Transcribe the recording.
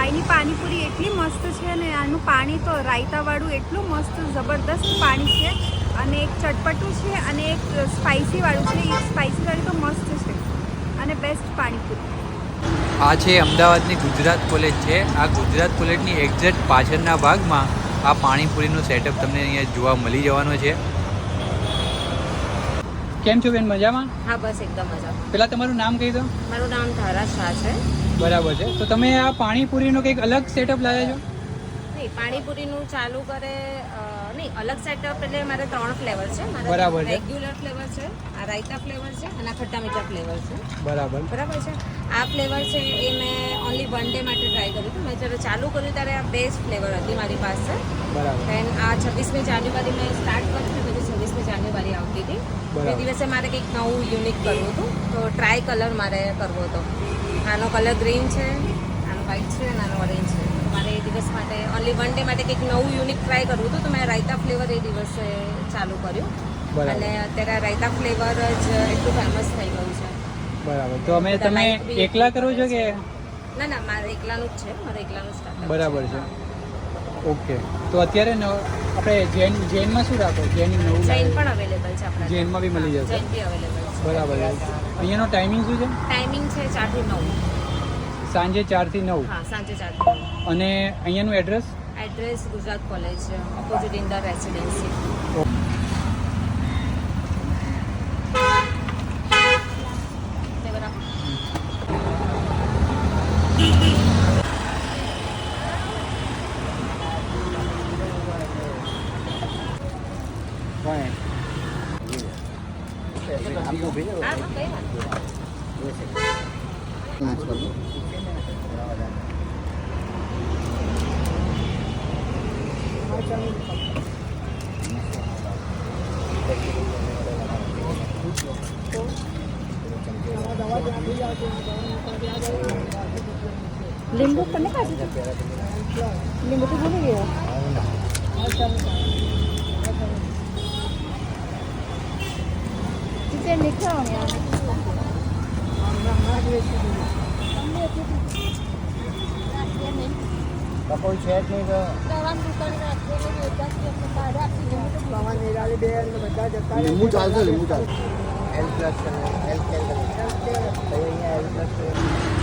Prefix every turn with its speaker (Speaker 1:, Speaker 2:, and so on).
Speaker 1: અહીંની પાણીપુરી એટલી મસ્ત છે ને આનું પાણી તો રાયતાવાળું એટલું મસ્ત જબરદસ્ત પાણી છે અને એક ચટપટું છે અને એક સ્પાઇસીવાળું છે. એ સ્પાઇસીવાળું તો મસ્ત છે અને બેસ્ટ પાણીપુરી.
Speaker 2: આ છે અમદાવાદની ગુજરાત કોલેજ છે. આ ગુજરાત કોલેજની એક્ઝેક્ટ પાછળના ભાગમાં આ પાણીપુરીનું સેટઅપ તમને અહીંયા જોવા મળી જવાનો છે. કેમ છો બેન, મજામાં?
Speaker 3: હા બસ એકદમ મજા.
Speaker 2: પેલા તમારું નામ કહી દો.
Speaker 3: મારું નામ ધારા શાહ છે.
Speaker 2: બરાબર છે. તો તમે આ પાણીપુરીનો કંઈક અલગ સેટઅપ લાવ્યા છો?
Speaker 3: નહીં, પાણીપુરીનું ચાલુ કરે નહીં, અલગ સેટઅપ એટલે મારે 3 ફ્લેવર છે.
Speaker 2: બરાબર છે.
Speaker 3: રેગ્યુલર ફ્લેવર છે, આ રાયતા ફ્લેવર છે અને આ ખટ્ટા મીઠા ફ્લેવર છે.
Speaker 2: બરાબર
Speaker 3: છે. આ ફ્લેવર છે એ મેં ઓનલી 1 ડે માટે ટ્રાય કર્યું હતું. મેં જ્યારે ચાલુ કર્યું ત્યારે આ બેસ્ટ ફ્લેવર હતી મારી પાસે.
Speaker 2: બરાબર.
Speaker 3: દેન આ 26મી જાન્યુઆરી મેં સ્ટાર્ટ કર્યું હતું, પછી 26મી જાન્યુઆરી આવતી હતી. એ દિવસે મારે કંઈક નવું યુનિક કરવું હતું, તો ટ્રાય કલર મારે કરવો હતો. આનો કલર ગ્રીન છે, આનો વ્હાઈટ છે અને આનો ઓરેન્જ છે. મારે એ દિવસ માટે ઓનલી 1 ડે માટે કંઈક નવું યુનિક ટ્રાય કરવું હતું, તો મેં રાયતા ફ્લેવર એ દિવસે ચાલુ કર્યું. અને અત્યારે આ રાયતા ફ્લેવર જ એટલું ફેમસ થઈ ગયું છે.
Speaker 2: બરાબર. તો તમે એકલા કરો છો કે?
Speaker 3: ના, મારે એકલાનું જ છે. મારે એકલાનું સ્ટાર્ટ.
Speaker 2: બરાબર છે. ઓકે. તો અત્યારે આપણે જૈનમાં શું રાખો? જૈન
Speaker 3: પણ અવેલેબલ છે આપણા.
Speaker 2: જૈનમાં બી મળી જશે.
Speaker 3: જૈન બી અવેલેબલ છે.
Speaker 2: બરાબર છે. અહીંયાનો ટાઈમિંગ શું છે?
Speaker 3: ટાઈમિંગ છે 4 થી 9.
Speaker 2: સાંજે 4 થી 9.
Speaker 3: હા, સાંજે 4 થી 9.
Speaker 2: અને અહીંયાનું address?
Speaker 3: Address Gujarat college opposite Inder residency.
Speaker 1: લીંબુ પણ નહીં કાઢી? લીંબુ તો ભૂલી ગયો. Kita nikah ya.
Speaker 4: કોઈ છે જ નહીં તો લીંબુ ચાલશે. L+, L+, અહીંયા L+.